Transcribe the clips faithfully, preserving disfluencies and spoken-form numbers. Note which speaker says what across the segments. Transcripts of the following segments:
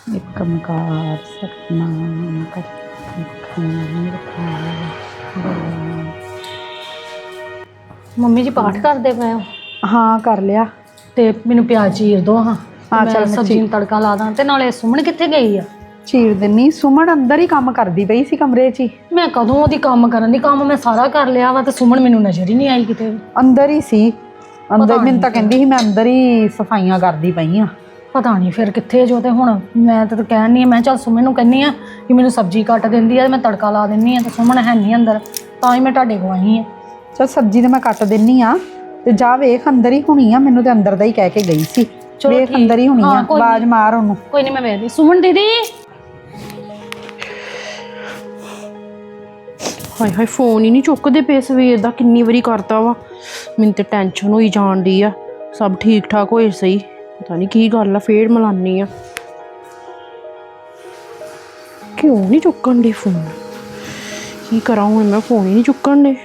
Speaker 1: एक ओंकार सतनाम
Speaker 2: ਮੰਮੀ ਜੀ ਪਾਠ ਕਰਦੇ ਪਏ ਹੋ?
Speaker 1: हाँ कर लिया।
Speaker 2: ਤੇ ਮੈਨੂੰ ਪਿਆਜ਼ ਚੀਰ ਦੋ ਹਾਂ।
Speaker 1: ਹਾਂ,
Speaker 2: ਮੈਂ
Speaker 1: ਚੱਲ ਮੈਂ
Speaker 2: ਸਬਜ਼ੀ ਨੂੰ ਤੜਕਾ ਲਾ ਦਾਂ। ਤੇ ਨਾਲੇ ਸੁਮਨ ਕਿੱਥੇ ਗਈ ਆ?
Speaker 1: चीर दिनी। सुमन अंदर ही काम करती पई सी कमरे च ही।
Speaker 2: ਮੈਂ ਕਦੋਂ ਉਹਦੀ ਕੰਮ ਕਰਨ ਦੀ ਕੰਮ ਮੈਂ ਸਾਰਾ ਕਰ ਲਿਆ ਵਾ ਤੇ ਸੁਮਨ ਮੈਨੂੰ ਨਜ਼ਰ ਹੀ ਨਹੀਂ ਆਈ ਕਿਤੇ ਵੀ।
Speaker 1: अंदर ही सी अंदर
Speaker 2: पता
Speaker 1: मैनूं तां
Speaker 2: नहीं
Speaker 1: कहंदी सी मैं अंदर ही सफाइयां करदी पई आ।
Speaker 2: ਪਤਾ ਨਹੀਂ ਫਿਰ ਕਿੱਥੇ ਜੋ। ਤੇ ਹੁਣ ਮੈਂ ਤਾਂ ਕਹਿਣ ਨਹੀਂ ਮੈਂ ਚੱਲ ਸੁਮਨ ਨੂੰ ਕਹਿੰਨੀ ਆ ਕਿ ਮੈਨੂੰ ਸਬਜ਼ੀ ਕੱਟ ਦਿੰਦੀ ਆ, ਮੈਂ ਤੜਕਾ ਲਾ ਦਿੰਨੀ ਆ। ਤੇ ਸੁਮਨ ਹੈ ਨਹੀਂ ਅੰਦਰ, ਤਾਂ ਹੀ ਮੈਂ ਤੁਹਾਡੇ ਕੋਲ ਆਈ ਆ।
Speaker 1: चल सब्जी तो मैं कट दिनी आ ते जा वेख अंदर ही होनी आ। मैनूं ते अंदर दा ही कह के गई सी।
Speaker 2: चलो
Speaker 1: वेख
Speaker 2: ठीक।
Speaker 1: अंदर ही होनी
Speaker 2: हाँ,
Speaker 1: आ।
Speaker 2: कोई
Speaker 1: आवाज
Speaker 2: नहीं।
Speaker 1: मार ओनू।
Speaker 2: ਕੋਈ ਨਹੀਂ ਮੈਂ ਵੇਖਦੀ। ਸੁਮਨ ਦੀਦੀ
Speaker 3: ਹਾਏ ਹਾਏ ਫੋਨ ਹੀ ਨਹੀਂ ਚੁੱਕਦੇ ਪਏ ਸਵੇਰ ਦਾ। ਕਿੰਨੀ ਵਾਰੀ ਕਰਤਾ ਵਾ, ਮੈਨੂੰ ਤੇ ਟੈਨਸ਼ਨ ਹੋਈ ਜਾਣ ਡਈ ਆ। ਸਭ ਠੀਕ ਠਾਕ ਹੋਏ ਸਹੀ, ਪਤਾ ਨਹੀਂ ਕੀ ਗੱਲ ਆ। ਫੇਰ ਮਲਾਨੀ ਆ, ਕਿਉਂ ਨਹੀਂ ਚੁੱਕਣ ਦੇ ਫੋਨ? ਕੀ ਕਰਾਂ ਹੁਣ ਮੈਂ, ਫੋਨ ਹੀ ਨਹੀਂ ਚੁੱਕਣ ਦੇ।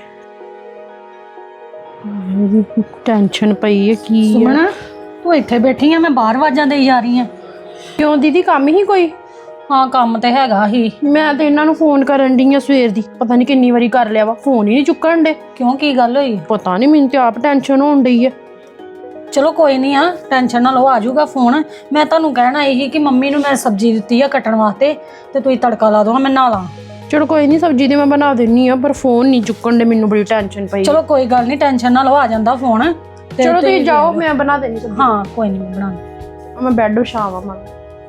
Speaker 3: ਟੈਨਸ਼ਨ ਪਈ ਹੈ ਕੀ ਆ।
Speaker 2: ਸੁਮਨ ਤੂੰ ਇੱਥੇ ਬੈਠੀ ਆ, ਮੈਂ ਬਾਹਰ ਆਵਾਜ਼ਾਂ ਦੇਈ ਜਾ ਰਹੀ ਆ।
Speaker 3: ਕਿਉਂ ਦੀਦੀ, ਕੰਮ ਹੀ ਕੋਈ?
Speaker 2: ਹਾਂ ਕੰਮ ਤੇ ਹੈਗਾ ਹੀ।
Speaker 3: ਮੈਂ ਤੇ ਇਹਨਾਂ ਨੂੰ ਫੋਨ ਕਰਨ ਡਈ ਆ ਸਵੇਰ ਦੀ, ਪਤਾ ਨਹੀਂ ਕਿੰਨੀ ਵਾਰੀ ਕਰ ਲਿਆ ਵਾ, ਫੋਨ ਹੀ ਨਹੀਂ ਚੁੱਕਣ ਦੇ।
Speaker 2: ਕਿਉਂ ਕੀ ਗੱਲ ਹੋਈ?
Speaker 3: ਪਤਾ ਨਹੀਂ, ਮੈਨੂੰ ਤੇ ਆਪ ਟੈਨਸ਼ਨ ਹੋਣ ਡਈ ਆ।
Speaker 2: ਚਲੋ ਕੋਈ ਨਹੀਂ ਆ, ਟੈਨਸ਼ਨ ਨਾ ਲਓ, ਆ ਜਾਊਗਾ ਫੋਨ। ਮੈਂ ਤੁਹਾਨੂੰ ਕਹਿਣਾ ਇਹੀ ਕਿ ਮੰਮੀ ਨੂੰ ਮੈਂ ਸਬਜ਼ੀ ਦਿੱਤੀ ਆ ਕੱਟਣ ਵਾਸਤੇ, ਤੇ ਤੁਸੀਂ ਤੜਕਾ ਲਾ ਦੋ, ਮੈਂ ਨਹਾ ਲਾਂ।
Speaker 3: ਚਲੋ ਕੋਈ ਨਹੀਂ, ਸਬਜ਼ੀ ਤੇ ਮੈਂ ਬਣਾ ਦਿੰਨੀ ਆ, ਪਰ ਫੋਨ ਨਹੀਂ ਚੁੱਕਣ ਦੇ। ਮੈਨੂੰ ਬੜੀ ਟੈਨਸ਼ਨ ਪਈ।
Speaker 2: ਚਲੋ ਕੋਈ ਗੱਲ ਨਹੀਂ, ਟੈਨਸ਼ਨ ਨਾ ਲਓ, ਆ ਜਾਂਦਾ ਫੋਨ। ਤੇ
Speaker 3: ਚਲੋ ਤੁਸੀਂ ਜਾਓ, ਮੈਂ ਬਣਾ ਦੇਣੀ ਸਬਜ਼ੀ।
Speaker 2: ਹਾਂ ਕੋਈ ਨਹੀਂ, ਮੈਂ ਬਣਾ ਦੂੰ।
Speaker 3: ਮੈਂ ਬੈੱਡ ਵਿਛਾਵਾਂ ਮਾਂ।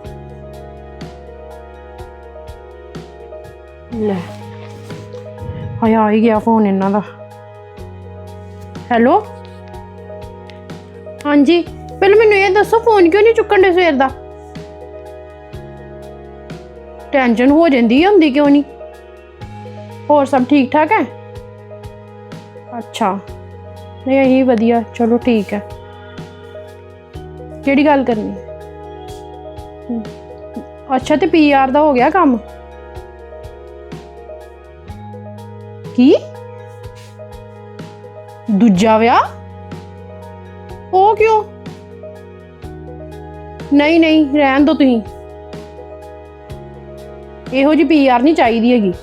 Speaker 3: ਲੈ ਹਾਏ, ਆ ਹੀ ਗਿਆ ਫੋਨ ਇਹਨਾਂ ਦਾ। ਹੈਲੋ ਹਾਂਜੀ, ਪਹਿਲਾਂ ਮੈਨੂੰ ਇਹ ਦੱਸੋ ਫੋਨ ਕਿਉਂ ਨਹੀਂ ਚੁੱਕਣ ਦੇ ਸਵੇਰ ਦਾ? ਟੈਨਸ਼ਨ ਹੋ ਜਾਂਦੀ ਹੁੰਦੀ ਕਿਉਂ ਨਹੀਂ? ਹੋਰ ਸਭ ਠੀਕ ਠਾਕ ਹੈ? ਅੱਛਾ, ਨਹੀਂ ਇਹੀ ਵਧੀਆ। ਚਲੋ ਠੀਕ ਹੈ। ਕਿਹੜੀ ਗੱਲ ਕਰਨੀ? ਅੱਛਾ, ਤੇ ਪੀ ਆਰ ਦਾ ਹੋ ਗਿਆ ਕੰਮ? ਕੀ ਦੂਜਾ ਵਿਆਹ? ਉਹ ਕਿਉਂ? ਨਹੀਂ ਨਹੀਂ, ਰਹਿਣ ਦੋ ਤੁਸੀਂ। ਇਹੋ ਜਿਹੀ ਪੀ ਆਰ ਨਹੀਂ ਚਾਹੀਦੀ ਹੈਗੀ।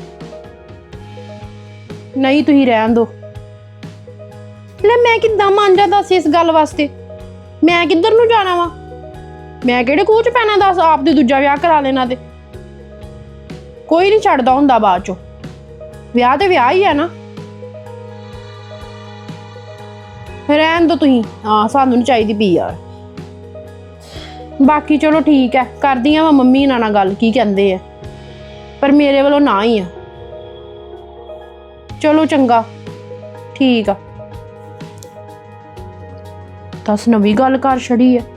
Speaker 3: ਨਹੀਂ ਤੁਸੀਂ ਰਹਿਣ ਦੋ। ਲੈ ਮੈਂ ਕਿੱਦਾਂ ਮੰਨ ਜਾ ਦੱਸ ਇਸ ਗੱਲ ਵਾਸਤੇ? ਮੈਂ ਕਿੱਧਰ ਨੂੰ ਜਾਣਾ ਵਾ? ਮੈਂ ਕਿਹੜੇ ਖੂਹ ਚ ਪੈਣਾ ਦੱਸ? ਆਪ ਦੇ ਦੂਜਾ ਵਿਆਹ ਕਰਾ ਲੈਣਾ ਤੇ ਕੋਈ ਨਹੀਂ ਛੱਡਦਾ ਹੁੰਦਾ ਬਾਅਦ ਚੋਂ। ਵਿਆਹ ਤੇ ਵਿਆਹ ਹੀ ਆ ਨਾ। ਰਹਿਣ ਦੋ ਤੁਸੀਂ। ਹਾਂ, ਸਾਨੂੰ ਨਹੀਂ ਚਾਹੀਦੀ ਪੀ ਆਰ। ਬਾਕੀ ਚਲੋ ਠੀਕ ਹੈ, ਕਰਦੀ ਆ ਮੈਂ ਮੰਮੀ ਨਾਲ ਨਾਲ ਗੱਲ, ਕੀ ਕਹਿੰਦੇ ਆ। ਪਰ ਮੇਰੇ ਵੱਲੋਂ ਨਾ ਹੀ ਆ। ਚਲੋ ਚੰਗਾ, ਠੀਕ ਆ। ਦੱਸ ਨਵੀਂ ਗੱਲ ਕਰ ਛੜੀ ਆ।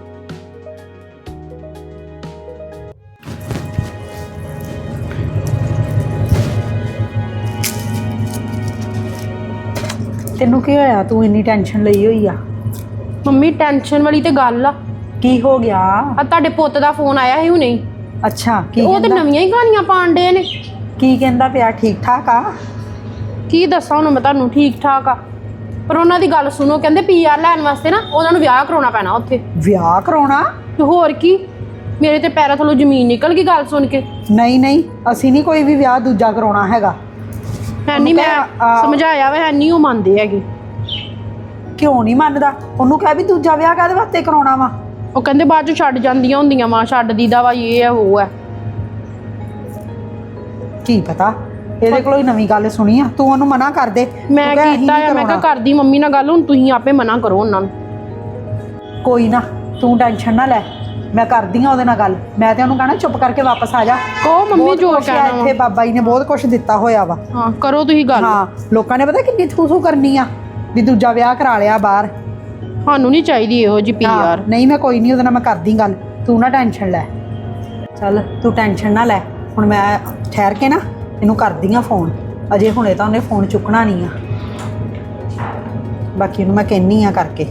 Speaker 1: तेनू की होया? तू इन्नी टेंशन लई हुई आ?
Speaker 3: ਮੰਮੀ ਟੈਨਸ਼ਨ ਵਾਲੀ ਤੇ ਗੱਲ ਆ।
Speaker 1: की हो गया?
Speaker 3: ਆ ਤੁਹਾਡੇ ਪੁੱਤ ਦਾ ਫੋਨ ਆਇਆ ਸੀ ਹੁਣੇ ਹੀ।
Speaker 1: अच्छा की
Speaker 3: ਉਹ ਤੇ
Speaker 1: कहंदा?
Speaker 3: ਨਵੀਆਂ ਹੀ ਕਹਾਣੀਆਂ ਪਾਣ ਡੇ ਨੇ।
Speaker 1: की कहंदा पिया? ठीक ठाक आ?
Speaker 3: ਕੀ ਦੱਸਾਂ ਹੁਣ ਮੈਂ ਤੁਹਾਨੂੰ, ਠੀਕ ਠਾਕ ਆ। ਪਰ ਉਹਨਾਂ ਦੀ ਗੱਲ ਸੁਣੋ, ਕਹਿੰਦੇ ਪੀ ਆਰ ਲੈਣ ਵਾਸਤੇ ਨਾ ਉਹਨਾਂ ਨੂੰ ਵਿਆਹ ਕਰਾਉਣਾ ਪੈਣਾ ਉੱਥੇ।
Speaker 1: ਵਿਆਹ ਕਰਾਉਣਾ?
Speaker 3: ਤੇ ਹੋਰ ਕੀ, ਮੇਰੇ ਤੇ ਪੈਰਾਂ ਥੱਲੋਂ ਜ਼ਮੀਨ ਨਿਕਲ ਗਈ ਗੱਲ ਸੁਣ ਕੇ।
Speaker 1: ਨਹੀਂ ਨਹੀਂ, ਅਸੀਂ ਨਹੀਂ ਕੋਈ ਵੀ ਵਿਆਹ ਦੂਜਾ ਕਰਾਉਣਾ ਹੈਗਾ।
Speaker 3: ਹੈ ਨਹੀਂ, ਮੈਂ
Speaker 1: ਆ-
Speaker 3: ਸਮਝਾਇਆ ਵਾ, ਹੈ ਨਹੀਂ ਉਹ ਮੰਨਦੇ ਹੈਗੇ।
Speaker 1: ਕਿਉਂ ਨਹੀਂ ਮੰਨਦਾ? ਉਹਨੂੰ ਕਹਿ ਵੀ ਦੂਜਾ ਵਿਆਹ ਕਾਹਦੇ ਵਾਸਤੇ ਕਰਾਉਣਾ ਵਾ?
Speaker 3: ਉਹ ਕਹਿੰਦੇ ਬਾਅਦ ਚ ਛੱਡ ਜਾਂਦੀਆਂ ਹੁੰਦੀਆਂ ਵਾ, ਛੱਡ ਦੀਦਾ ਵਾ, ਇਹ ਹੈ ਉਹ ਹੈ।
Speaker 1: ਕੀ ਪਤਾ, ਇਹਦੇ ਕੋਲੋਂ ਹੀ ਨਵੀਂ ਗੱਲ ਸੁਣੀ ਆ। ਤੂੰ ਉਹਨੂੰ ਮਨਾ ਕਰ ਦੇ।
Speaker 3: ਮੈਂ
Speaker 1: ਤੂੰ ਕਹਿ ਅਸੀਂ
Speaker 3: ਕੀਤਾ
Speaker 1: ਨਹੀਂ
Speaker 3: ਆ, ਮੈਂ ਕਿਹਾ
Speaker 1: ਕਰਾਉਣਾ।
Speaker 3: ਕਰਦੀ ਮੰਮੀ ਨਾਲ ਗੱਲ, ਹੁਣ ਤੁਸੀਂ ਆਪੇ ਮਨਾ ਕਰੋ ਉਹਨਾਂ ਨੂੰ।
Speaker 1: ਕੋਈ ਨਾ, ਤੂੰ ਟੈਨਸ਼ਨ ਨਾ ਲੈ, ਮੈਂ ਕਰਦੀ ਆ ਉਹਦੇ ਨਾਲ ਗੱਲ। ਮੈਂ ਤੇ ਉਹਨੂੰ ਕਹਿਣਾ ਚੁੱਪ ਕਰਕੇ ਵਾਪਸ ਆ ਜਾ।
Speaker 3: ਕਹੋ ਮੰਮੀ
Speaker 1: ਬਹੁਤ
Speaker 3: ਜੋ
Speaker 1: ਕੁਛ ਆ
Speaker 3: ਕਹਿਣਾ
Speaker 1: ਇੱਥੇ,
Speaker 3: ਵਾ।
Speaker 1: ਬਾਬਾ ਜੀ ਨੇ ਬਹੁਤ ਕੁਝ ਦਿੱਤਾ ਹੋਇਆ ਵਾ।
Speaker 3: ਹਾਂ ਕਰੋ ਤੁਸੀਂ ਗੱਲ।
Speaker 1: ਹਾਂ, ਲੋਕਾਂ ਨੇ ਪਤਾ ਕਿੰਨੀ ਥੂ ਥੂ ਕਰਨੀ ਆ ਵੀ ਦੂਜਾ ਵਿਆਹ ਕਰਾ ਲਿਆ ਬਾਹਰ।
Speaker 3: ਸਾਨੂੰ ਨਹੀਂ ਚਾਹੀਦੀ ਇਹੋ ਜਿਹੀ ਪੀ
Speaker 1: ਹਾਂ,
Speaker 3: ਆਰ।
Speaker 1: ਨਹੀਂ ਮੈਂ ਕੋਈ ਨਹੀਂ, ਉਹਦੇ ਨਾਲ ਮੈਂ ਕਰਦੀ ਗੱਲ। ਤੂੰ ਨਾ ਟੈਨਸ਼ਨ ਲੈ। ਚੱਲ ਤੂੰ ਟੈਨਸ਼ਨ ਨਾ ਲੈ। ਹੁਣ ਮੈਂ ਠਹਿਰ ਕੇ ਨਾ ਇਹਨੂੰ ਕਰਦੀ ਆ ਫੋਨ। ਅਜੇ ਹੁਣੇ ਤਾਂ ਉਹਨੇ ਫੋਨ ਚੁੱਕਣਾ ਨਹੀਂ ਆ। ਬਾਕੀ ਉਹਨੂੰ ਮੈਂ ਕਹਿੰਨੀ ਆ ਕਰਕੇ।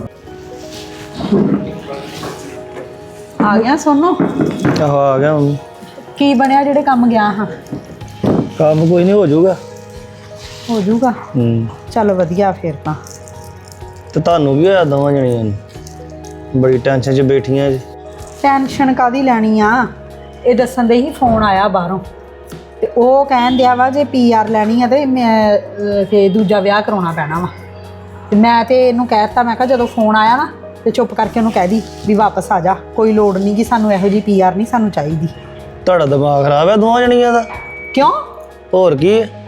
Speaker 1: ਆ ਗਿਆ ਸੋਨੂ?
Speaker 4: ਆਹੋ ਆ ਗਿਆ ਮੰਮੀ।
Speaker 1: ਕੀ ਬਣਿਆ ਜਿਹੜੇ ਕੰਮ ਗਿਆ ਹਾਂ?
Speaker 4: ਕੰਮ ਕੋਈ ਨਹੀਂ, ਹੋ ਜਾਊਗਾ।
Speaker 1: ਹੋ ਜਾਊਗਾ?
Speaker 4: ਹੂੰ,
Speaker 1: ਚੱਲ ਵਧੀਆ ਫਿਰ ਤਾਂ।
Speaker 4: ਤੇ ਤੁਹਾਨੂੰ ਵੀ ਹੋਇਆ ਦੋਵਾਂ ਜਣੀਆਂ ਨੂੰ? ਬੜੀ ਟੈਨਸ਼ਨ 'ਚ ਬੈਠੀਆਂ ਜੀ।
Speaker 1: ਟੈਨਸ਼ਨ ਕਾਦੀ ਲੈਣੀ ਆ। ਇਹ ਦੱਸਣ ਦੇ ਹੀ ਫੋਨ ਆਇਆ ਬਾਹਰੋਂ ਤੇ ਉਹ ਕਹਿਣ ਦਿਆ ਵਾ ਜੇ ਪੀ ਆਰ ਲੈਣੀ ਆ ਤੇ ਮੈਂ ਅਹ, ਤੇ ਦੂਜਾ ਵਿਆਹ ਕਰਾਉਣਾ ਪੈਣਾ ਵਾ। ਤੇ ਮੈਂ ਤੇ ਇਹਨੂੰ ਕਹਿ ਦਿੱਤਾ, ਮੈਂ ਕਿਹਾ ਜਦੋਂ ਫੋਨ ਆਇਆ ਨਾ ਤੇ ਚੁੱਪ ਕਰਕੇ ਉਹਨੂੰ ਕਹਿ ਦੀ ਵੀ ਵਾਪਸ ਆ ਜਾ, ਕੋਈ ਲੋੜ ਨਹੀਂ ਕਿ ਸਾਨੂੰ ਇਹੋ ਜਿਹੀ ਪੀ ਆਰ ਨਹੀਂ ਸਾਨੂੰ ਚਾਹੀਦੀ।
Speaker 4: ਤੁਹਾਡਾ ਦਿਮਾਗ ਖਰਾਬ ਹੈ ਦੋਵਾਂ ਜਣੀਆਂ ਦਾ।
Speaker 1: ਕਿਉਂ?
Speaker 4: ਹੋਰ ਕੀ ਹੈ?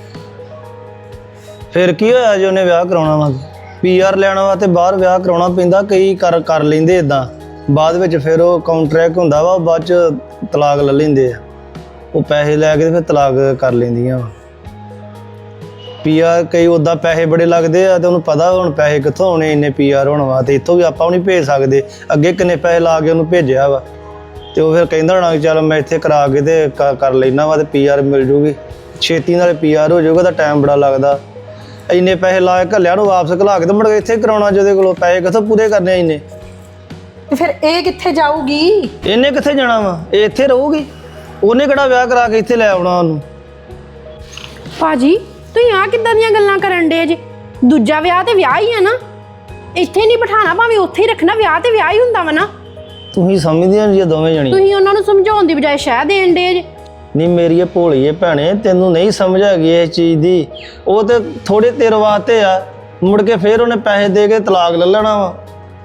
Speaker 4: ਫਿਰ ਕੀ ਹੋਇਆ ਜੇ ਉਹਨੇ ਵਿਆਹ ਕਰਾਉਣਾ ਵਾ? ਪੀ ਆਰ ਲੈਣਾ ਵਾ ਤੇ ਬਾਹਰ ਵਿਆਹ ਕਰਾਉਣਾ ਪੈਂਦਾ। ਕਈ ਕਰ ਕਰ ਲੈਂਦੇ ਇਦਾਂ, ਬਾਅਦ ਵਿੱਚ ਫਿਰ ਉਹ ਕਾਉਂਟਰੈਕਟ ਹੁੰਦਾ ਵਾ, ਬਾਅਦ ਚ ਤਲਾਕ ਲੈ ਲੈਂਦੇ ਆ। ਉਹ ਪੈਸੇ ਲੈ ਕੇ ਤੇ ਫਿਰ ਤਲਾਕ ਕਰ ਲੈਂਦੀਆਂ ਵਾ। ਪੀ ਆਰ ਕਈ ਉੱਦਾਂ ਪੈਸੇ ਬੜੇ ਲੱਗਦੇ ਆ ਤੇ ਉਹਨੂੰ ਪਤਾ ਹੁਣ ਪੈਸੇ ਕਿੱਥੋਂ ਆਉਣੇ ਇੰਨੇ ਪੀ ਆਰ ਹੋਣ ਵਾ, ਤੇ ਇੱਥੋਂ ਵੀ ਆਪਾਂ ਨਹੀਂ ਭੇਜ ਸਕਦੇ। ਅੱਗੇ ਕਿੰਨੇ ਪੈਸੇ ਲਾ ਕੇ ਉਹਨੂੰ ਭੇਜਿਆ ਵਾ, ਤੇ ਉਹ ਫਿਰ ਕਹਿੰਦਾ ਹੋਣਾ ਕਿ ਚੱਲ ਮੈਂ ਇੱਥੇ ਕਰਾ ਕੇ ਤੇ ਕਰ ਲੈਣਾ ਵਾ ਤੇ ਪੀ ਆਰ ਮਿਲ ਜੂਗੀ ਛੇਤੀ, ਨਾਲੇ ਪੀ ਆਰ ਹੋ ਜਾਊਗਾ। ਤਾਂ ਟਾਈਮ ਬੜਾ ਲੱਗਦਾ। ਇੰਨੇ ਪੈਸੇ ਲਾ ਕੇ ਘੱਲਿਆਂ ਨੂੰ ਵਾਪਸ ਘਲਾ ਕੇ ਤੇ ਮੁੜ ਕੇ ਇੱਥੇ ਕਰਾਉਣਾ, ਜਿਹਦੇ ਕੋਲੋਂ ਪੈਸੇ ਕਿੱਥੋਂ ਪੂਰੇ ਕਰਨੇ ਇੰਨੇ?
Speaker 1: ਤੇ ਫਿਰ ਇਹ ਕਿੱਥੇ ਜਾਊਗੀ?
Speaker 4: ਇਹਨੇ ਕਿੱਥੇ ਜਾਣਾ ਵਾ? ਇਹ ਇੱਥੇ ਰਹੂਗੀ। ਉਹਨੇ ਕਿਹੜਾ ਵਿਆਹ ਕਰਾ ਕੇ ਇੱਥੇ ਲੈ ਆਉਣਾ ਉਹਨੂੰ?
Speaker 3: ਭਾਜੀ ਤੁਸੀਂ ਆ ਕਿੱਦਾਂ ਦੀਆਂ ਗੱਲਾਂ ਕਰਨ ਡੇ ਜੇ? ਦੂਜਾ ਵਿਆਹ ਤੇ ਵਿਆਹ ਹੀ ਆ ਨਾ, ਇੱਥੇ ਨਹੀਂ ਬਿਠਾਣਾ, ਭਾਵੇਂ ਉੱਥੇ ਹੀ ਰੱਖਣਾ। ਵਿਆਹ ਤੇ ਵਿਆਹ ਹੀ ਹੁੰਦਾ ਵਾ ਨਾ।
Speaker 4: ਤੁਸੀਂ ਸਮਝਦੀਆਂ ਜੀ ਦੋਵੇਂ ਜਣੀ?
Speaker 3: ਤੁਸੀਂ ਉਹਨਾਂ ਨੂੰ ਸਮਝਾਉਣ ਦੀ ਬਜਾਏ ਸ਼ਹਿ ਦੇਣ ਡੇ ਜੇ।
Speaker 4: ਨਹੀਂ ਮੇਰੀ ਇਹ ਭੋਲੀਏ ਭੈਣੇ, ਤੈਨੂੰ ਨਹੀਂ ਸਮਝ ਹੈਗੀ ਇਸ ਚੀਜ਼ ਦੀ। ਉਹ ਤੇ ਥੋੜੇ ਤੇਰ ਵਾਸਤੇ ਆ, ਮੁੜ ਕੇ ਫੇਰ ਉਹਨੇ ਪੈਸੇ ਦੇ ਕੇ ਤਲਾਕ ਲੈ ਲੈਣਾ ਵਾ।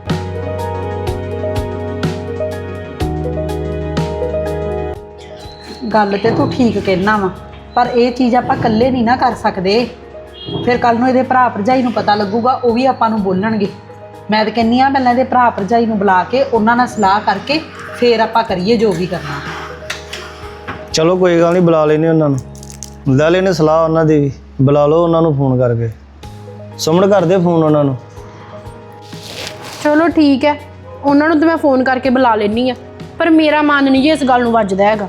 Speaker 1: ਗੱਲ ਤੇ ਤੂੰ ਠੀਕ ਕਹਿਣਾ ਵਾ, ਪਰ ਇਹ ਚੀਜ਼ ਆਪਾਂ ਇਕੱਲੇ ਨਹੀਂ ਨਾ ਕਰ ਸਕਦੇ। ਫਿਰ ਕੱਲ ਨੂੰ ਇਹਦੇ ਭਰਾ ਭਰਜਾਈ ਨੂੰ ਪਤਾ ਲੱਗੂਗਾ, ਉਹ ਵੀ ਆਪਾਂ ਨੂੰ ਬੋਲਣਗੇ। ਮੈਂ ਤਾਂ ਕਹਿੰਦੀ ਆ ਪਹਿਲਾਂ ਇਹਦੇ ਭਰਾ ਭਰਜਾਈ ਨੂੰ ਬੁਲਾ ਕੇ ਉਹਨਾਂ ਨਾਲ ਸਲਾਹ ਕਰਕੇ ਫਿਰ ਆਪਾਂ ਕਰੀਏ ਜੋ ਵੀ ਕਰਨਾ।
Speaker 4: ਚਲੋ ਕੋਈ ਗੱਲ ਨਹੀਂ, ਬੁਲਾ ਲੈਨੇ ਉਹਨਾਂ ਨੂੰ, ਲੈ ਲੈਨੇ ਸਲਾਹ ਉਹਨਾਂ ਦੀ ਵੀ। ਬੁਲਾ ਲਓ ਉਹਨਾਂ ਨੂੰ ਫੋਨ ਕਰਕੇ। ਸੁਮਨ ਕਰਦੇ ਫੋਨ ਉਹਨਾਂ ਨੂੰ।
Speaker 3: ਚਲੋ ਠੀਕ ਹੈ, ਉਹਨਾਂ ਨੂੰ ਤਾਂ ਮੈਂ ਫੋਨ ਕਰਕੇ ਬੁਲਾ ਲੈਣੀ ਆ, ਪਰ ਮੇਰਾ ਮਨ ਨਹੀਂ ਜੀ ਇਸ ਗੱਲ ਨੂੰ ਵੱਜਦਾ ਹੈਗਾ।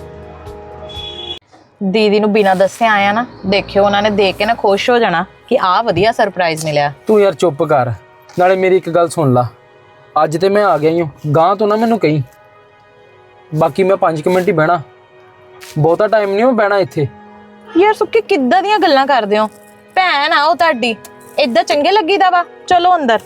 Speaker 5: ਦੀਦੀ ਨੂੰ ਬਿਨਾਂ ਦੱਸੇ ਆਇਆ ਨਾ, ਦੇਖਿਓ ਉਹਨਾਂ ਨੇ ਦੇਖ ਕੇ ਨਾ ਖੁਸ਼ ਹੋ ਜਾਣਾ ਕਿ ਆਹ ਵਧੀਆ ਸਰਪ੍ਰਾਈਜ਼ ਮਿਲਿਆ।
Speaker 6: ਤੂੰ ਯਾਰ ਚੁੱਪ ਕਰ, ਨਾਲੇ ਮੇਰੀ ਇੱਕ ਗੱਲ ਸੁਣ ਲਾ। ਅੱਜ ਤੇ ਮੈਂ ਆ ਗਿਆ ਹੀ ਹਾਂ, ਗਾਂ ਤੋਂ ਨਾ ਮੈਨੂੰ ਕਹੀਂ। ਬਾਕੀ ਮੈਂ ਪੰਜ ਕੁ ਮਿੰਟ ਹੀ ਬਹਿਣਾ, ਬਹੁਤਾ ਟਾਈਮ ਨਹੀਂ ਮੈਂ ਬਹਿਣਾ ਇੱਥੇ।
Speaker 5: ਯਾਰ ਸੁੱਕੀ ਕਿੱਦਾਂ ਦੀਆਂ ਗੱਲਾਂ ਕਰਦੇ ਹੋ? ਭੈਣ ਆ ਉਹ ਤੁਹਾਡੀ, ਏਦਾਂ ਚੰਗੇ ਲੱਗੀਦਾ ਵਾ? ਚਲੋ ਅੰਦਰ।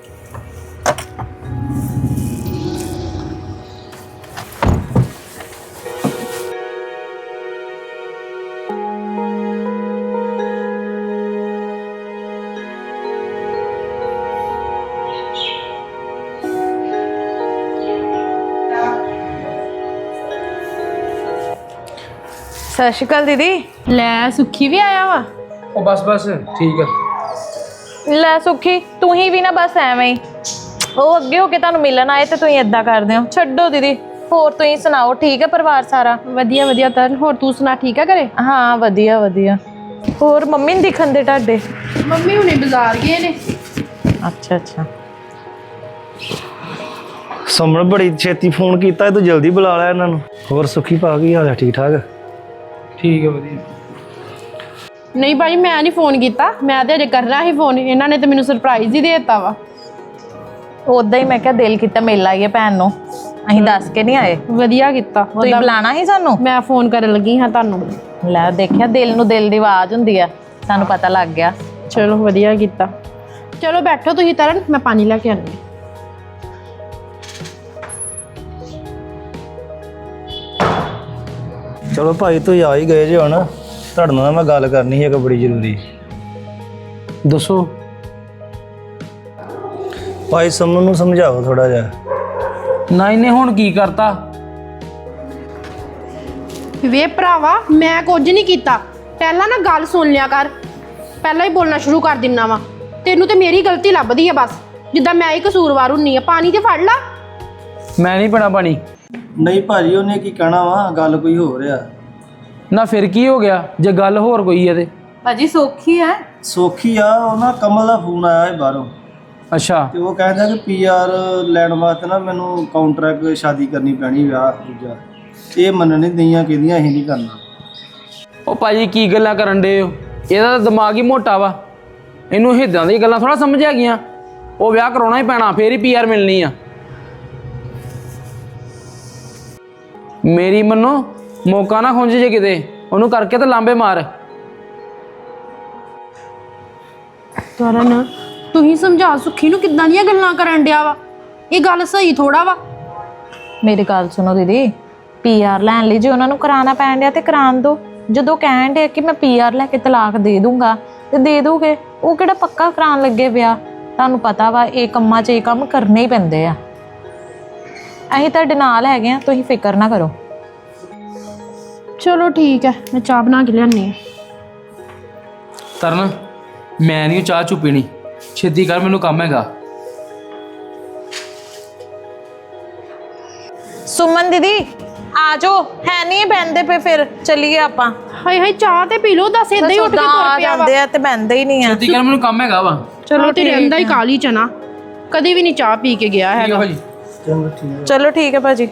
Speaker 5: ਸਤਿ ਸ਼੍ਰੀ ਅਕਾਲ ਦੀਦੀ।
Speaker 3: ਲੈ ਸੁੱਖੀ ਵੀ ਆਇਆ ਵਾ।
Speaker 6: ਉਹ ਬਸ ਬਸ ਠੀਕ ਆ।
Speaker 5: ਲੈ ਸੁੱਖੀ, ਤੂੰ ਹੀ ਵੀ ਨਾ ਬਸ ਐਵੇਂ ਹੀ, ਉਹ ਅੱਗੇ ਹੋ ਕੇ ਤੁਹਾਨੂੰ ਮਿਲਣ ਆਏ ਤੇ ਤੁਸੀਂ ਏਦਾਂ ਕਰਦੇ ਹੋ। ਛੱਡੋ ਦੀਦੀ, ਹੋਰ ਤੁਸੀਂ ਸੁਣਾਓ, ਠੀਕ ਹੈ ਪਰਿਵਾਰ ਸਾਰਾ?
Speaker 3: ਵਧੀਆ ਵਧੀਆ ਤਰਨ, ਹੋਰ ਤੂੰ ਸੁਣਾ, ਠੀਕ ਆ ਘਰੇ?
Speaker 5: ਹਾਂ ਵਧੀਆ ਵਧੀਆ। ਹੋਰ ਮੰਮੀ ਨਹੀਂ ਦਿਖਣ ਦੇ ਤੁਹਾਡੇ?
Speaker 3: ਮੰਮੀ ਹੁਣੇ ਬਾਜ਼ਾਰ ਗਏ ਨੇ।
Speaker 5: ਅੱਛਾ ਅੱਛਾ।
Speaker 4: ਸੁਮਨ ਬੜੀ ਛੇਤੀ ਫੋਨ ਕੀਤਾ, ਤੂੰ ਜਲਦੀ ਬੁਲਾ ਲਿਆ ਇਹਨਾਂ ਨੂੰ। ਹੋਰ ਸੁੱਖੀ ਪਾ ਗਈ ਹਾਲ ਹੈ? ਠੀਕ ਠਾਕ?
Speaker 6: ਠੀਕ ਹੈ ਵਧੀਆ।
Speaker 3: ਨਹੀਂ ਭਾਜੀ ਮੈਂ ਨਹੀਂ ਫੋਨ ਕੀਤਾ, ਮੈਂ ਤੇ ਅਜੇ ਕਰਨਾ ਸੀ ਫੋਨ। ਇਹਨਾਂ ਨੇ ਤੇ ਮੈਨੂੰ ਸਰਪ੍ਰਾਈਜ਼ ਹੀ ਦੇ ਦਿੱਤਾ ਵਾ।
Speaker 5: ਉਦਾਂ ਹੀ ਮੈਂ ਕਿਹਾ ਦਿਲ ਕੀਤਾ ਮਿਲ ਆਈਏ ਭੈਣ ਨੂੰ, ਅਸੀਂ ਦੱਸ ਕੇ ਨਹੀਂ ਆਏ।
Speaker 3: ਵਧੀਆ ਕੀਤਾ।
Speaker 5: ਤੁਸੀਂ ਬੁਲਾਣਾ ਸੀ ਸਾਨੂੰ?
Speaker 3: ਮੈਂ ਫੋਨ ਕਰਨ ਲੱਗੀ ਹਾਂ ਤੁਹਾਨੂੰ।
Speaker 5: ਲੈ ਦੇਖਿਆ, ਦਿਲ ਨੂੰ ਦਿਲ ਦੀ ਆਵਾਜ਼ ਹੁੰਦੀ ਆ, ਸਾਨੂੰ ਪਤਾ ਲੱਗ ਗਿਆ।
Speaker 3: ਚਲੋ ਵਧੀਆ ਕੀਤਾ। ਚਲੋ ਬੈਠੋ ਤੁਸੀਂ ਤਰਨ, ਮੈਂ ਪਾਣੀ ਲੈ ਕੇ ਆਉਂਦੀ ਹਾਂ।
Speaker 4: ਚਲੋ ਭਾਈ ਤੁਸੀਂ ਆ ਹੀ ਗਏ ਜੇ ਹੁਣ, ਤੁਹਾਡੇ ਨਾਲ ਮੈਂ ਗੱਲ ਕਰਨੀ ਸੀ ਇੱਕ ਬੜੀ ਜ਼ਰੂਰੀ।
Speaker 6: ਦੱਸੋ।
Speaker 4: ਭਾਈ ਸੁਮਨ ਨੂੰ ਸਮਝਾਓ ਥੋੜਾ ਜਿਹਾ।
Speaker 6: ਨਾ ਇਹਨੇ ਹੁਣ ਕੀ ਕਰਤਾ?
Speaker 3: ਵੇ ਭਰਾਵਾ ਮੈਂ ਕੁਝ ਨਹੀਂ ਕੀਤਾ, ਪਹਿਲਾਂ ਨਾ ਗੱਲ ਸੁਣ ਲਿਆ ਕਰ। ਪਹਿਲਾਂ ਹੀ ਬੋਲਣਾ ਸ਼ੁਰੂ ਕਰ ਦਿੰਨਾ ਵਾ। ਤੈਨੂੰ ਤੇ ਮੇਰੀ ਗਲਤੀ ਲੱਭਦੀ ਆ ਬਸ, ਜਿੱਦਾਂ ਮੈਂ ਹੀ ਕਸੂਰਵਾਰ ਹੁੰਨੀ ਆ। ਪਾਣੀ ਤੇ ਫੜ ਲਾ।
Speaker 6: ਮੈਂ ਨਹੀਂ ਪੀਣਾ ਪਾਣੀ।
Speaker 4: ਨਹੀਂ ਭਾਜੀ, ਉਹਨੇ ਕੀ ਕਹਿਣਾ ਵਾ, ਗੱਲ ਕੋਈ ਹੋਰ ਆ।
Speaker 6: ਨਾ ਫਿਰ ਕੀ ਹੋ ਗਿਆ ਜੇ ਗੱਲ ਹੋਰ ਕੋਈ ਹੈ ਤੇ?
Speaker 5: ਭਾਜੀ ਸੌਖੀ ਹੈ।
Speaker 4: ਸੌਖੀ ਆ, ਉਹ ਨਾ ਕਮਲ ਦਾ ਫੋਨ ਆਇਆ ਹੈ ਬਾਹਰੋਂ,
Speaker 6: ਅੱਛਾ।
Speaker 4: ਤੇ ਉਹ ਕਹਿੰਦਾ ਕਿ ਪੀ ਆਰ ਲੈਣ ਵਾਸਤੇ ਨਾ ਮੈਨੂੰ ਕਾਉਂਟਰੈਕਟ ਸ਼ਾਦੀ ਕਰਨੀ ਪੈਣੀ, ਵਿਆਹ ਦੂਜਾ। ਇਹ ਮੰਨਣ ਨਹੀਂ ਦਈਆਂ, ਕਹਿੰਦੀਆਂ ਅਸੀਂ ਨਹੀਂ ਕਰਨਾ।
Speaker 6: ਉਹ ਭਾਜੀ ਕੀ ਗੱਲਾਂ ਕਰਨ ਡੇ ਹੋ? ਇਹਦਾ ਤਾਂ ਦਿਮਾਗ ਹੀ ਮੋਟਾ ਵਾ, ਇਹਨੂੰ ਹਿੱਦਾਂ ਦੀਆਂ ਗੱਲਾਂ ਥੋੜਾ ਸਮਝ ਆ ਗਈਆਂ। ਉਹ ਵਿਆਹ ਕਰਾਉਣਾ ਹੀ ਪੈਣਾ, ਫੇਰ ਹੀ ਪੀ ਆਰ ਮਿਲਣੀ ਆ। ਮੇਰੀ ਮੰਨੋ, ਮੌਕਾ ਨਾ ਖੁੰਝ ਜੇ ਕਿਤੇ, ਉਹਨੂੰ ਕਰਕੇ ਤਾਂ ਲਾਂਬੇ ਮਾਰ।
Speaker 3: ਤਰਨ ਤੁਸੀਂ ਸਮਝਾ ਸੁੱਖੀ ਨੂੰ, ਕਿੱਦਾਂ ਦੀਆਂ ਗੱਲਾਂ ਕਰਨ ਡਿਆ ਵਾ? ਇਹ ਗੱਲ ਸਹੀ ਥੋੜਾ ਵਾ।
Speaker 5: ਮੇਰੀ ਗੱਲ ਸੁਣੋ ਦੀਦੀ, ਪੀਆਰ ਲੈਣ ਲਈ ਜੇ ਉਹਨਾਂ ਨੂੰ ਕਰਾਉਣਾ ਪੈਣ ਡਿਆ ਤੇ ਕਰਾਉਣ ਦਿਓ। ਜਦੋਂ ਕਹਿਣ ਡਿਆ ਕਿ ਮੈਂ ਪੀਆਰ ਲੈ ਕੇ ਤਲਾਕ ਦੇ ਦੂੰਗਾ ਤੇ ਦੇ ਦੂਗੇ, ਉਹ ਕਿਹੜਾ ਪੱਕਾ ਕਰਾਉਣ ਲੱਗੇ ਵਿਆਹ। ਤੁਹਾਨੂੰ ਪਤਾ ਵਾ ਇਹ ਕੰਮਾਂ 'ਚ ਇਹ ਕੰਮ ਕਰਨੇ ਹੀ ਪੈਂਦੇ ਆ। ਅਸੀਂ ਤੁਹਾਡੇ ਨਾਲ ਹੈਗੇ ਆ, ਤੁਸੀਂ ਫਿਕਰ ਨਾ ਕਰੋ।
Speaker 3: ਚਲੋ ਠੀਕ ਹੈ, ਮੈਂ ਚਾਹ ਬਣਾ ਕੇ ਲਿਆਨੀ ਆ।
Speaker 6: ਤਰਨ, ਮੈਂ ਨਹੀਂ ਚਾਹ ਚੁ ਪੀਣੀ, ਛੇਤੀ ਕਰ, ਮੈਨੂੰ ਕੰਮ ਹੈਗਾ।
Speaker 5: ਸੁਮਨ ਦੀਦੀ ਆ ਜਾਓ, ਹੈ ਨਹੀਂ ਬਹਿੰਦੇ ਪਏ, ਫਿਰ ਚੱਲੀਏ ਆਪਾਂ।
Speaker 3: ਹਾਏ ਹਾਏ ਚਾਹ ਤੇ ਪੀ ਲਓ, ਦੱਸ ਏਦਾਂ ਹੀ ਉੱਠ ਕੇ
Speaker 5: ਆ
Speaker 3: ਤੁਰ ਪਿਆ ਵਾ।
Speaker 5: ਜਾਂਦੇ ਆ ਤੇ ਬਹਿੰਦੇ ਹੀ ਨਹੀਂ ਆ।
Speaker 6: ਛੇਤੀ ਕਰ, ਮੈਨੂੰ ਕੰਮ ਹੈਗਾ ਵਾ।
Speaker 3: ਚਲੋ ਤੇ ਰਹਿੰਦਾ ਹੀ ਕਾਲੀ ਚਨਾ, ਕਦੀ ਵੀ ਨਹੀਂ ਚਾਹ ਪੀ ਕੇ ਗਿਆ
Speaker 6: ਠੀਕ ਹੈ
Speaker 3: ਹੈਗਾ।
Speaker 6: ਭਾਜੀ।
Speaker 5: ਚਲੋ ਠੀਕ ਹੈ ਭਾਜੀ।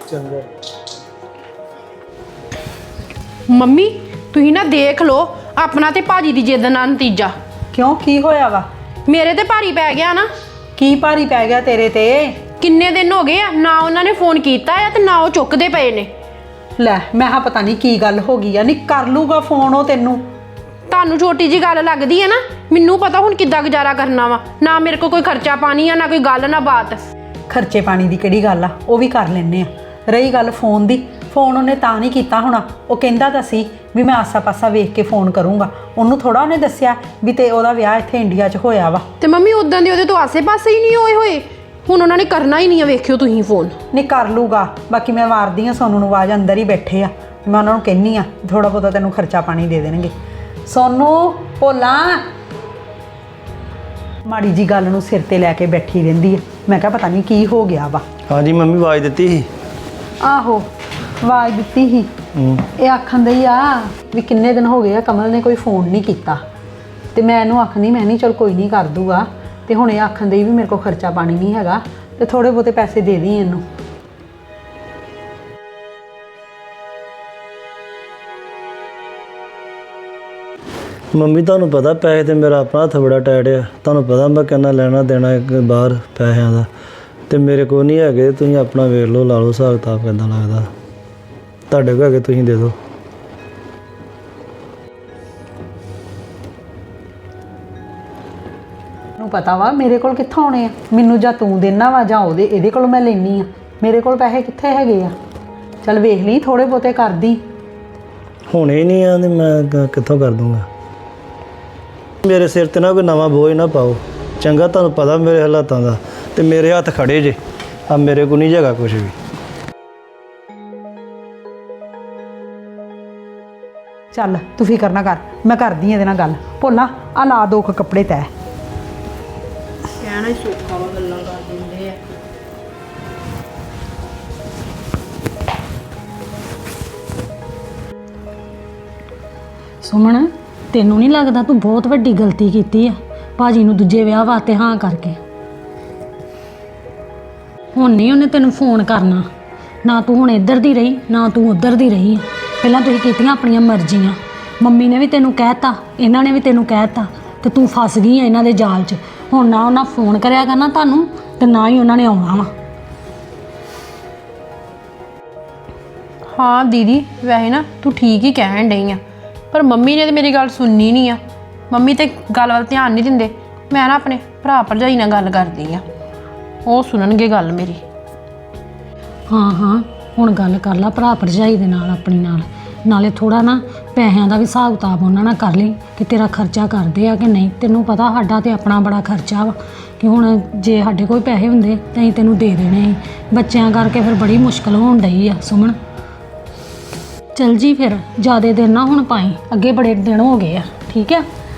Speaker 3: ਮੰਮੀ ਤੁਸੀਂ ਨਾ ਦੇਖ ਲਓ ਆਪਣਾ ਤੇ ਭਾਜੀ ਦੀ ਜਿੱਦ ਨਾਲ ਨਤੀਜਾ।
Speaker 1: ਕਿਉਂ, ਕੀ ਹੋਇਆ ਵਾ?
Speaker 3: ਮੇਰੇ ਤੇ ਭਾਰੀ ਪੈ ਗਿਆ ਨਾ।
Speaker 1: ਕੀ ਭਾਰੀ ਪੈ ਗਿਆ ਤੇਰੇ ਤੇ?
Speaker 3: ਕਿੰਨੇ ਦਿਨ ਹੋ ਗਏ ਆ ਨਾ ਉਹਨਾਂ ਨੇ ਫੋਨ ਕੀਤਾ ਆ ਤੇ ਨਾ ਉਹ ਚੁੱਕਦੇ ਪਏ ਨੇ।
Speaker 1: ਲੈ ਮੈਂ ਹਾਂ ਪਤਾ ਨਹੀਂ ਕੀ ਗੱਲ ਹੋ ਗਈ ਆ। ਨਹੀਂ ਕਰ ਲੂਗਾ ਫੋਨ ਉਹ ਤੈਨੂੰ।
Speaker 3: ਤੁਹਾਨੂੰ ਛੋਟੀ ਜੀ ਗੱਲ ਲੱਗਦੀ ਹੈ ਨਾ, ਮੈਨੂੰ ਪਤਾ ਹੁਣ ਕਿੱਦਾਂ ਗੁਜ਼ਾਰਾ ਕਰਨਾ ਵਾ। ਨਾ ਮੇਰੇ ਕੋਲ ਕੋਈ ਖਰਚਾ ਪਾਣੀ ਆ, ਨਾ ਕੋਈ ਗੱਲ ਨਾ ਬਾਤ।
Speaker 1: ਖਰਚੇ ਪਾਣੀ ਦੀ ਕਿਹੜੀ ਗੱਲ ਆ, ਉਹ ਵੀ ਕਰ ਲੈਂਦੇ ਆ। ਰਹੀ ਗੱਲ ਫੋਨ ਦੀ, ਫੋਨ ਉਹਨੇ ਤਾਂ ਨਹੀਂ ਕੀਤਾ ਹੋਣਾ। ਉਹ ਕਹਿੰਦਾ ਤਾਂ ਸੀ ਵੀ ਮੈਂ ਆਸਾ ਪਾਸਾ ਵੇਖ ਕੇ ਫੋਨ ਕਰੂੰਗਾ। ਉਹਨੂੰ ਥੋੜਾ ਉਹਨੇ ਦੱਸਿਆ ਵੀ ਤੇ ਉਹਦਾ ਵਿਆਹ ਇੱਥੇ ਇੰਡੀਆ 'ਚ ਹੋਇਆ ਵਾ।
Speaker 3: ਤੇ ਮੰਮੀ ਉਦਾਂ ਦੇ ਉਹਦੇ ਤੋਂ ਆਸੇ-ਪਾਸੇ ਹੀ ਨਹੀਂ ਹੋਏ ਹੋਏ। ਹੁਣ ਉਹਨਾਂ ਨੇ ਕਰਨਾ ਹੀ ਨਹੀਂ ਆ, ਵੇਖਿਓ ਤੁਸੀਂ ਫੋਨ।
Speaker 1: ਨਹੀਂ ਕਰ ਲੂਗਾ। ਬਾਕੀ ਮੈਂ ਮਾਰਦੀ ਆ ਸੋਨੂੰ ਨੂੰ ਆਵਾਜ਼, ਅੰਦਰ ਹੀ ਬੈਠੇ ਆ। ਮੈਂ ਉਹਨਾਂ ਨੂੰ ਕਹਿੰਨੀ ਆ ਥੋੜਾ ਬਹੁਤਾ ਤੈਨੂੰ ਖਰਚਾ ਪਾਣੀ ਦੇ ਦੇਣਗੇ। ਸੋਨੂੰ ਭੋਲਾ ਮਾੜੀ ਜੀ ਗੱਲ ਨੂੰ ਸਿਰ ਤੇ ਲੈ ਕੇ ਬੈਠੀ ਰਹਿੰਦੀ ਆ। ਮੈਂ ਕਿਹਾ ਪਤਾ ਨਹੀਂ ਕੀ ਹੋ ਗਿਆ ਵਾ।
Speaker 4: ਹਾਂਜੀ ਮੰਮੀ ਆਵਾਜ਼ ਦਿੱਤੀ ਸੀ।
Speaker 1: ਆਹੋ ਆਵਾਜ਼ ਦਿੱਤੀ ਸੀ।
Speaker 4: ਹੂੰ।
Speaker 1: ਇਹ ਆਖਣ ਦਈ ਆ ਵੀ ਕਿੰਨੇ ਦਿਨ ਹੋ ਗਏ ਆ ਕਮਲ ਨੇ ਕੋਈ ਫੋਨ ਨਹੀਂ ਕੀਤਾ। ਤੇ ਮੈਂ ਇਹਨੂੰ ਆਖਣੀ ਮੈਂ ਨਹੀਂ ਚਲ ਕੋਈ ਨਹੀਂ ਕਰ ਦੂਗਾ। ਤੇ ਹੁਣ ਇਹ ਆਖਣ ਦਈ ਵੀ ਮੇਰੇ ਕੋਲ ਖਰਚਾ ਪਾਣੀ ਨਹੀਂ ਹੈਗਾ ਤੇ ਥੋੜੇ ਬਹੁਤੇ ਪੈਸੇ ਦੇ ਦੀ ਇਹਨੂੰ।
Speaker 4: ਮੰਮੀ ਤੁਹਾਨੂੰ ਪਤਾ ਪੈਸੇ ਤੇ ਮੇਰਾ ਆਪਣਾ ਹੱਥ ਬੜਾ ਟਾਈਟ ਆ। ਤੁਹਾਨੂੰ ਪਤਾ ਮੈਂ ਕਿੰਨਾ ਲੈਣਾ ਦੇਣਾ ਇੱਕ ਬਾਹਰ ਪੈਸਿਆਂ ਦਾ, ਤੇ ਮੇਰੇ ਕੋਲ ਨਹੀਂ ਹੈਗੇ। ਤੁਸੀਂ ਆਪਣਾ ਵੇਖ ਲਓ, ਲਾ ਲਓ ਹਿਸਾਬ ਕਿਤਾਬ ਕਿੱਦਾਂ ਲੱਗਦਾ। ਤੁਹਾਡੇ ਕੋਲ ਹੈਗੇ ਤੁਸੀਂ ਦੇ ਦਿਓ।
Speaker 1: ਨੂੰ ਪਤਾ ਵਾ ਮੇਰੇ ਕੋਲ ਕਿੱਥੋਂ ਆਉਣੇ ਆ। ਮੈਨੂੰ ਜਾਂ ਤੂੰ ਦੇਣਾ ਵਾ ਜਾਂ ਉਹਦੇ ਇਹਦੇ ਕੋਲ ਮੈਂ ਲੈਣੀ ਆ। ਮੇਰੇ ਕੋਲ ਪੈਸੇ ਕਿੱਥੇ ਹੈਗੇ ਆ? ਚੱਲ ਵੇਖ ਲਈ ਥੋੜੇ ਬਹੁਤੇ ਕਰਦੀ।
Speaker 4: ਹੁਣੇ ਹੀ ਨਹੀਂ ਆ ਤੇ ਮੈਂ ਕ- ਕਿੱਥੋਂ ਕਰ ਦੂੰਗਾ। ਮੇਰੇ ਸਿਰ ਤੇ ਨਾ ਕੋਈ ਨਵਾਂ ਬੋਝ ਨਾ ਪਾਓ ਚੰਗਾ। ਤੁਹਾਨੂੰ ਪਤਾ ਮੇਰੇ ਹਾਲਾਤਾਂ ਦਾ, ਤੇ ਮੇਰੇ ਹੱਥ ਖੜੇ ਜੇ ਆ। ਮੇਰੇ ਕੋਲ ਨਹੀਂ ਜਗਾ ਕੁਝ ਵੀ।
Speaker 1: ਚੱਲ ਤੂੰ ਫਿਕਰ ਨਾ ਕਰ, ਮੈਂ ਕਰਦੀ ਇਹਦੇ ਨਾਲ ਗੱਲ। ਭੋਲਾ ਆ ਲਾ ਦੋ ਕੁ ਕੱਪੜੇ ਤੈ।
Speaker 3: ਕਹਿਣਾ ਹੀ ਸੌਖਾ ਵਾ, ਗੱਲਾਂ ਕਰ ਦਿੰਦੇ ਆ।
Speaker 2: ਸੁਮਨ, ਤੈਨੂੰ ਨਹੀਂ ਲੱਗਦਾ ਤੂੰ ਬਹੁਤ ਵੱਡੀ ਗਲਤੀ ਕੀਤੀ ਆ ਭਾਜੀ ਨੂੰ ਦੂਜੇ ਵਿਆਹ ਵਾਸਤੇ ਹਾਂ ਕਰਕੇ? ਹੁਣ ਨਹੀਂ ਉਹਨੇ ਤੈਨੂੰ ਫੋਨ ਕਰਨਾ। ਨਾ ਤੂੰ ਹੁਣ ਇੱਧਰ ਦੀ ਰਹੀ, ਨਾ ਤੂੰ ਉੱਧਰ ਦੀ ਰਹੀ ਆ। ਪਹਿਲਾਂ ਤੁਸੀਂ ਕੀਤੀਆਂ ਆਪਣੀਆਂ ਮਰਜ਼ੀਆਂ। ਮੰਮੀ ਨੇ ਵੀ ਤੈਨੂੰ ਕਹਿਤਾ, ਇਹਨਾਂ ਨੇ ਵੀ ਤੈਨੂੰ ਕਹਿਤਾ, ਤੇ ਤੂੰ ਫਸ ਗਈ ਆ ਇਹਨਾਂ ਦੇ ਜਾਲ 'ਚ। ਹੁਣ ਨਾ ਉਹਨਾਂ ਫੋਨ ਕਰਿਆ ਕਰਨਾ ਤੁਹਾਨੂੰ, ਤੇ ਨਾ ਹੀ ਉਹਨਾਂ ਨੇ ਆਉਣਾ ਵਾ।
Speaker 3: ਹਾਂ ਦੀਦੀ, ਵੈਸੇ ਨਾ ਤੂੰ ਠੀਕ ਹੀ ਕਹਿਣ ਡਈ ਆ, ਪਰ ਮੰਮੀ ਨੇ ਤੇ ਮੇਰੀ ਗੱਲ ਸੁਣਨੀ ਨਹੀਂ ਆ। ਮੰਮੀ ਤੇ ਗੱਲ ਵੱਲ ਧਿਆਨ ਨਹੀਂ ਦਿੰਦੇ। ਮੈਂ ਨਾ ਆਪਣੇ ਭਰਾ ਭਰਜਾਈ ਨਾਲ ਗੱਲ ਕਰਦੀ ਆ, ਉਹ ਸੁਣਨਗੇ ਗੱਲ ਮੇਰੀ।
Speaker 2: ਹਾਂ ਹਾਂ, ਹੁਣ ਗੱਲ ਕਰ ਲਾ ਭਰਾ ਭਰਜਾਈ ਦੇ ਨਾਲ, ਆਪਣੀ ਨਾਲ। ਨਾਲੇ ਥੋੜਾ ਨਾ ਪੈਸਿਆਂ ਦਾ ਵੀ ਹਿਸਾਬ ਕਿਤਾਬ ਉਹਨਾਂ ਨਾਲ ਕਰ ਲਈ ਕਿ ਤੇਰਾ ਖਰਚਾ ਕਰਦੇ ਆ ਕਿ ਨਹੀਂ। ਤੈਨੂੰ ਪਤਾ ਸਾਡਾ ਤੇ ਆਪਣਾ ਬੜਾ ਖਰਚਾ ਵਾ, ਕਿ ਹੁਣ ਜੇ ਸਾਡੇ ਕੋਲ ਪੈਸੇ ਹੁੰਦੇ ਤਾਂ ਅਸੀਂ ਤੈਨੂੰ ਦੇ ਦੇਣੇ ਸੀ। ਬੱਚਿਆਂ ਕਰਕੇ ਫਿਰ ਬੜੀ ਮੁਸ਼ਕਲ ਹੋਣ ਡਈ ਆ ਸੁਮਨ। ਚਲ ਜੀ ਫਿਰ, ਜ਼ਿਆਦਾ ਦਿਨ ਨਾ ਹੁਣ ਪਾਈ, ਅੱਗੇ ਬੜੇ ਦਿਨ ਹੋ ਗਏ ਆ, ਠੀਕ ਆ।